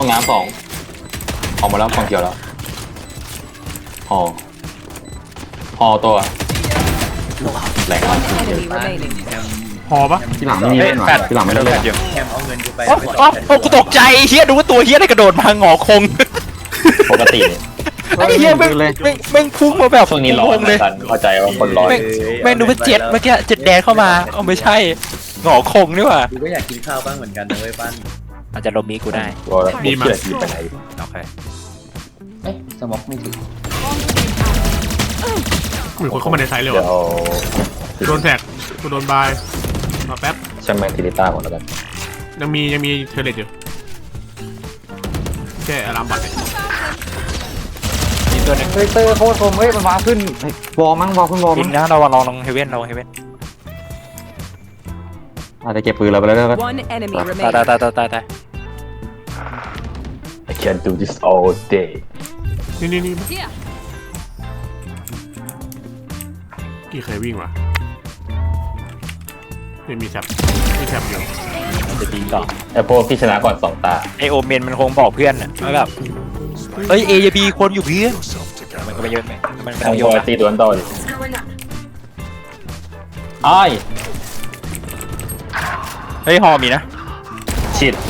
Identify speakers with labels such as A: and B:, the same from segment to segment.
A: ห้องน้ำสองออกมาแล้วฝั่งเขียวแล้วหอตัวแหลกมาก
B: Enemy remaining.
C: พอปะ
D: ที่หลังไม่มีเล่นหรอที่หลังไม่ได้เล่น
E: แคมเอาเงินกูไป
F: โอ้กูตกใจเฮียดูว่าตัวเฮียได้กระโดดมาหงอคง
A: ปกตินี่
F: ไอ้เฮียแม่งพุ่งมาแบบ
A: ช่วงนี้ร้อน
F: เลย
A: สันเข้าใจว่าคนร้อน
F: แม่งดูว่าเจ็ดเมื่อกี้เจ็ดแดงเข้ามาเอาไม่ใช่หงอคงนี่หว่า
E: กูก็อยากกินข้าวบ้างเหมือนกันนะเว้ยปั้น
F: อาจจะลมมีกูได้
A: ตัวมีมาอยู่ไปไหน
F: โอเค
D: เอ๊ะสมองไม่ถึง
C: มีคนเข้ามาในไซต์เลย
A: เดี๋ยว
C: วะโดนแท็กกูโดนบายมาแป๊บ
A: ช่างแมงทิลิต้าหมดแล้วกัน
C: ยังมีเทเลตอยู่แค่อารามบัตร
F: มีตัวหนึง
D: เฮ้ยเตอร์โคตรคมเฮ้ยมันวางขึ้นวอลมั้งวอลขึ้นวอล
F: ยิ
D: มั้
F: ง
D: ง
F: นะเราลองเฮเว่นเราเฮเว่น
D: อาจจะเก็บปืนเราไปแล้วก็
B: One enemy
F: ตาย
B: remaining.
F: ตาย
A: I can do this all day
C: นี่
B: Here.
C: กี่เคยวิ่งวะเนี่ยมีแท็บอยู่
F: จะดีต่อ
A: ไอพวกที่ชนะก่อนสองตา
F: ไอโอเมนมันคงบอกเพื่อนอะว่าแบบเฮ้ยเอจะบีคนอยู่เพื่อนมันก็ไม่เยอะมัน
A: ทาง
F: ไม่
A: บอย
F: เยอะ
A: ตีตัวนั้นต่อดิอ้าย
F: เฮ้ยฮอมีนะ
A: ชิด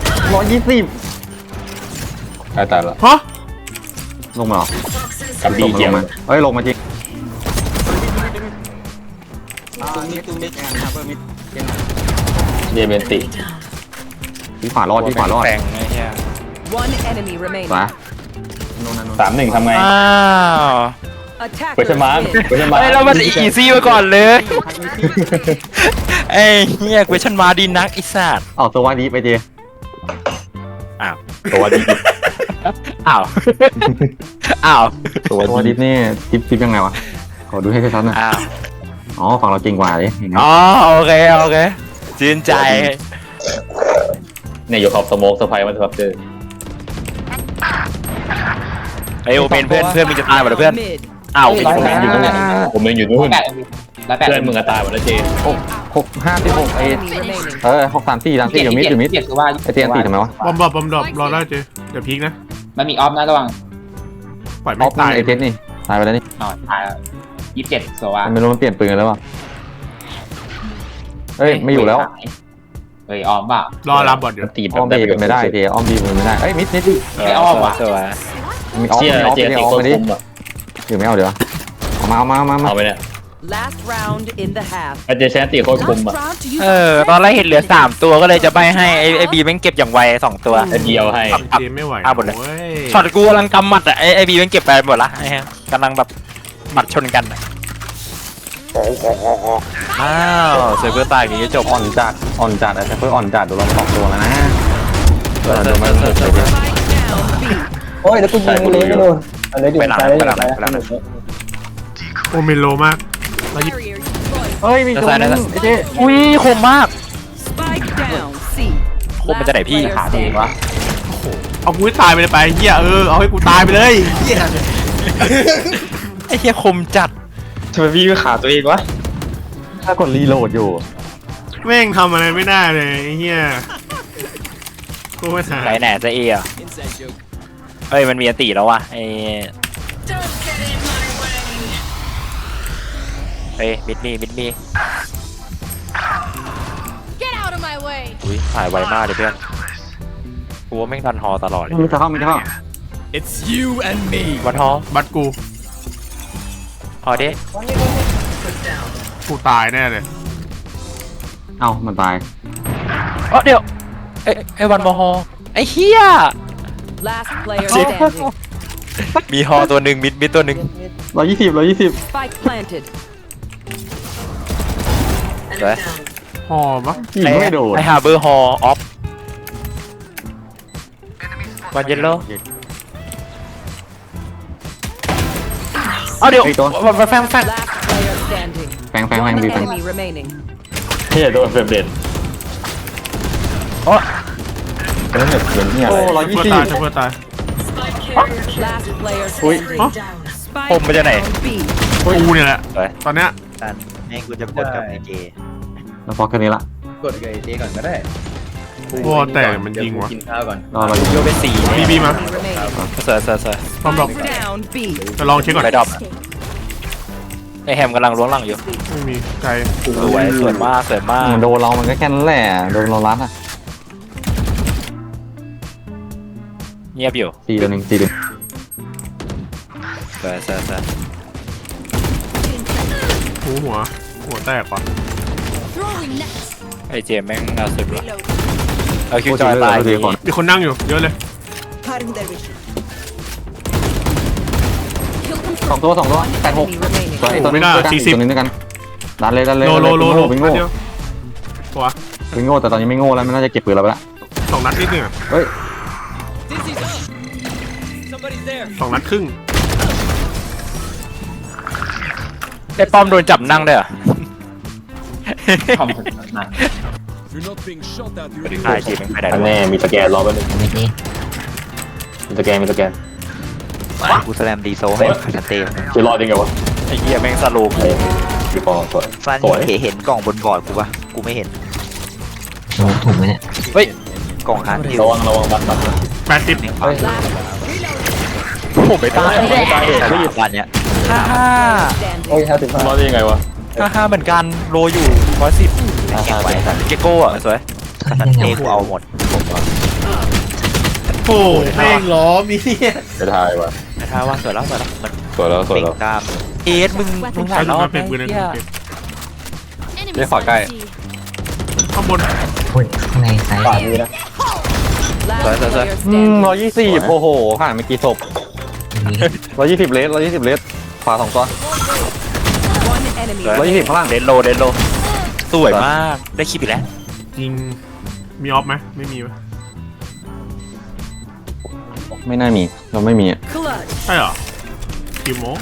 D: 120
A: ตายแล้ว
C: ฮะ
D: ลงมาหรอ
A: กับบีเกีย
D: ล
A: ม
D: งมาเฮ้ยลงมาจริง
A: เยเบนติ
D: ที่ขวารอดที่ขวารอด
F: แฝงไอ้เหี้ย
B: One enemy remaining.
D: มา
A: 3-1ทำไง
F: อ้าว
B: Attackers
A: เวชมาร์
B: win.
A: เวชมาร์
F: เฮ้ยเรามันอีซี่มาก่อนเลยไอ้เหี้ยเวชันมาดีนักไอ้สัตว์
D: เอาตัววาดีไปเจ
F: อ้าว
A: ตัวดี
F: อ้าวอ้าว
A: ตัว
D: ตัววา
A: ดี
D: ดีนี่ทิปยังไงวะขอดูให้ชัดๆหน่อย
F: อ้าว
D: อ๋อฝั่งเราเก่งกว่าดิอย่างเงี้ย
F: อ๋อโอเคชื่นใจ
A: เนี่ยอยู่ขอบสโมกสไปร์มันครับเจอ
F: ไอโอเป็นเพื่อนมึงจะตายหมดเลยเพื่อน
B: Mid.
F: อ้าว
A: ผมเองอยู่นู่นผมเองอยู่นู่น
G: แล้วแปด
A: เพื่อนมึงก็ตายหมดแล้วเจ
D: 656
B: Enemy remaining.
D: 634อยู่มิดอยู่มิด
G: เจ็ดคือว่า
D: ไอเตียนตีทำไมวะ
C: บอมดรอปรอได้เจเดี๋ยวพีกนะ
G: มันมีออฟนะระวัง
C: ปล่อย
D: อ
C: ไม่
D: อฟ
C: ตาย
D: ไอเจนนี่ตายไปแล้วนี่
G: อ๋อตายแล้ว27โซวา
D: ไม่รู้มันเปลี่ยนปืนกันแล้ววะเฮ้ยไม่อยู่แล้ว
G: เฮ้ยออมเปล่าร
C: ออารามบัตรอยู่
A: ตี
D: อ้อมบีเป็นไม่ได้เจอ้อมบีเป็นไม่ได้เอ้ยมิดดิ
G: ไม่อ้อมว่ะ
F: สวย
D: มีออฟ
A: เชี่ย
D: มีออฟ
A: เจ
D: มี
A: ตี
D: ออฟ
A: โคต
D: มาร ดิ
A: คุ้มอ่ะ
D: เดี๋ยวไม่เอาเดี๋ยวเอามา
A: เอาไปเนี่ย
B: Last round in the half.
A: ไอเจแชนตีโคตรคุ้มอ่ะ
B: Last round to use
F: ตอนแรกเห็นเหลือ3ตัวก็เลยจะใบให้ไอบีแม่งเก็บอย่างไว2ตัว
A: ไอเดียวให้
C: เจไม่ไหว
F: หมดเลย
C: เว้ย
F: ช็อตกูกำลังกำหมัดอ่ะไอบีแม่งเก็บไปหมดละไอ้เหี้ยกำลังแบบหมัดชนกันอ้าวเซอร์เวอร์ตายอย่างนี้จบ
D: อ่อนจัดไอ้เพื่ออ่อนจัดดูเรา2ตัวแล้วนะ
F: เซอร์
D: โอ้ยแล้วกูยิงเลยไม่โดน
F: ไปหลัง
C: โอเมนโลมากแล้วยิง
B: barrier destroyed.
D: เฮ้ยมีตัวนึงไอ้เจ๊
F: อุ้ยคมมาก
B: Spike down. C.
F: คมมันจะไหนพี่
B: Last
D: ขา
B: player
D: ดี
B: standing.
D: วะ
C: เอากูให้ตายไปเลยไปเฮียเอาให้กูตายไปเลยเฮีย
F: ไอ้เหี้ยคมจัด
E: ทำไมพี่ขาตัวเองวะ
D: ถ้ากดรีโหลดอยู่
C: แม่งทำอะไรไม่ได้เลยไอ้เฮียกูไม่หา
F: ไหนแหน่จะเออ่ะเฮ้ยมันมีอันตีแล้ววะไอ้เฮ้ยมิดมี
B: Get out of my way.
F: อุ้ยถ่ายไวมากเลยเพื่อนกูว่าแม่งทันฮอตลอดเลย
D: มีจะเข้า
F: วันฮอ
C: บัตรกู
F: ฮอเด้
C: กูตายแน่เลย
D: เอ้ามันตาย
F: เดี๋ยวไอ้วันมอฮอไอ้เฮีย
B: Last player standing.
F: มีฮอตัวหนึ่งมิดตัวหนึ่ง
D: 120
B: Spike planted.
F: เฮ้ย
C: หอมปะ
D: ยิงไม่โดน
F: ไอฮาร์เบอร์ฮอออฟวันเยลโล่เอาเดี๋ยว
D: ไอ้ตัว
F: วันแฟง
B: Last player standing.
D: แฟง
B: One
D: ดีแฟง
B: enemy remaining.
A: เฮียโดนเฟรมเรท
F: โอ้
A: แล้วเนี่ยเป็นเนี่ย
D: โอ้
A: อะไร
C: เพื่อตายเพื่อตาย
B: Last player
C: Ui.
B: standing.
C: Hả?
B: Spike
F: Hùng bên trên này.
B: down B.
C: กูเนี่ยแหละ
F: เฮ้ย
C: ตอนเนี้ย
E: ให้กูจะกดกับไอเจ
D: แล้วพอแค่นี้ละ
E: กดกับไอเจก่อนก็ได้
C: วอแต่มันยิงวะ
E: กินข้าวก่อน
D: รอเรา
F: โยเป็นสี่
C: บีมา
B: Remaining.
F: เสือเสือเสือ
C: พร้อมดอก
B: Down B.
C: จะลองเช็คก่อน
F: ไปดรอปไอแฮมกำลังล้วงหลังอยู่
C: ไม่มีไกล
F: สวยสวยมากสวยมาก
D: โดนเรามันก็แค่นั้นแหละโดนเรารัดอ่ะ
F: เงียบอยู่
D: 4 ตัวหนึ่ง4 ตัว
F: สวยสวยสวย
C: หัวแตกปะ
F: ไอเจมแม่งเอาสุดว่ะเอาคิวจอยตาย
D: โทษทีก่อน
C: มีคนนั่งอยู่เยอะเลย
D: 2 ตัว2 ตัว
B: Enemy
D: 8 6
B: remaining.
D: ตัวไอ้ตัวนึง
C: ไม่ได้
D: ด้วยกันอีก
C: 40
D: ตัวนึงด้วยกันดันเลย
C: โล
D: วิงโง่
C: เดียวตัว
D: วิงโง่แต่ตอนนี้ไม่โง่แล้วมันน่าจะเก็บปืนเราไปละ
C: 2 นัดนิดนึงอะ
D: เฮ้ย
C: 2 นัดครึ่ง
F: ไอป้อมโดนจับนั่งด้วยเหรอ
G: คอมถึงนั้น
F: ไอเจมไม่ได้
A: อันแน่มีสแกนรอไว้หนึ่งมีสแกน
H: กูแสลมดีโซให้ชัดเจน
A: จะรอดยังไงวะ
F: ไอเหี้ยแม่งสโลว์
A: พี่ปอสวย
H: ฟัน
A: สวย
H: เห็นกล่องบนบอร์ดกูปะกูไม่เห็น
D: ถูกไหมเนี่ย
F: เฮ้ย
H: กล่องฮาร์ดดิว
A: ระวังบัตร
C: 80
F: ผมไม่ตายไม่ตาย
H: แต่วันเนี้ย
F: ห้า
B: Standing.
A: รอดได้ยังไงวะ
F: ห้าเหมือนกันโลอยู่110
H: แข่งไว้
F: เกโก้อะสวย
H: สันเทกูเอาหมด
C: โอ้แม่งล้อมีเนี่ย
A: จะทายวะ
F: แต่ถ้าว่าสวยแล้วสวยแล้วมัน
A: สวยแล้ว
H: เป่งกล้าม
F: เอสมึงห
C: ใช้
F: ลายร
C: ลู
F: อก บ
C: มาเป็นปืนนั่น
F: เหี้ย
A: เล่นขวาใกล้
C: ข้างบน
B: Last
F: Sorry, sorry.
B: player standing.
D: 120โอ้โหห่างเมื่อกี้ศพ120เลส120เลสขวา2 ตัว
B: One enemy.
D: 120ข้างล่าง
F: เดนโลสวยมากได้คลิปอีกแล้ว
C: ยิงมีออฟไหมไม่มีวะ
D: ไม่น่ามีเราไม่มีอ่ะ
B: Clutch.
C: ใช่เหรอกี่โมง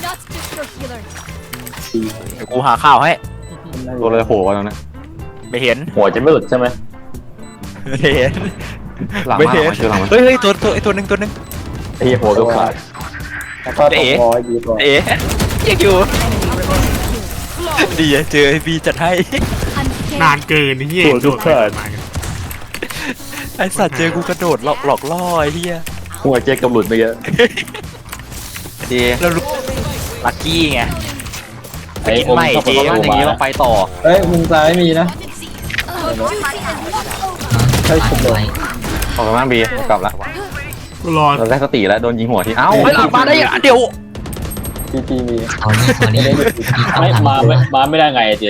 F: เดี๋ยวกูหาข่าวให้
D: ตัวเลยโผล่มาแล้วนะ
F: ไม่เห็น
A: หัวจะไม่หลุดใช่ไหม
F: ไม่เห็น
D: หลัง
F: ไม่
D: มา
F: เห็น
D: คือหลังมา
F: เฮ้ยตัวไอตัวหนึ่ง
A: ไอ้หัวก็ขาด
F: เอ๋เอ๋ยังอยู่ดีอะเจอไอบีจัดให้
C: นานเกินนี่เหี้ย
A: หัวก็ขาด
F: ไอสัตว์เจอกูกระโดดหลอกล่อไอ้เหี้ย
A: หัวเจ๊กำหลุดไปเยอะ
D: ดี
F: แล้วรู้ลักกี้ไง
A: ไอ้
F: กิน
A: อม
F: ใหม่
A: ชอบ
F: เจ
A: เข้า
D: อย่างนี้เราไปต่อ
E: เฮ้ยมุมซ้ายมีนะ
D: ออกกันบ้างบีกลับแล้ว
C: กูรอ
D: เราได้สติแล้วโดนยิงหัวที่เอ้า
F: เฮ้ยหลังมาได้ยังเดี๋ยว
A: มาไม่ได้ไงเจ๊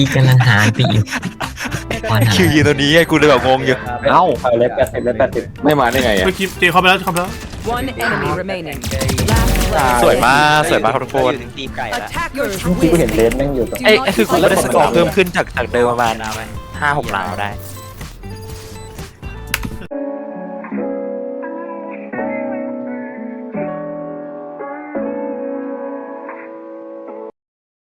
F: คิวยืนตัวนี้ไงกูเลยแบบงงอยู่
D: เอ้า
A: ไม่มาได้ไงอ่ะ
C: เมื่อกี้เจเข้าไปแล้วเข้าไปแล้ว
B: One enemy remaining. Last player.
F: สวยมากทุกคน
H: ถึงทีมไก่ละ
B: Attackers
E: ที่กูเห็น
B: win.
E: เลนแม่งอยู่
F: ไอ้คือกูได้สกอร์เพิ่มขึ้นจากเดิมประมาณ5-6 ล้านได้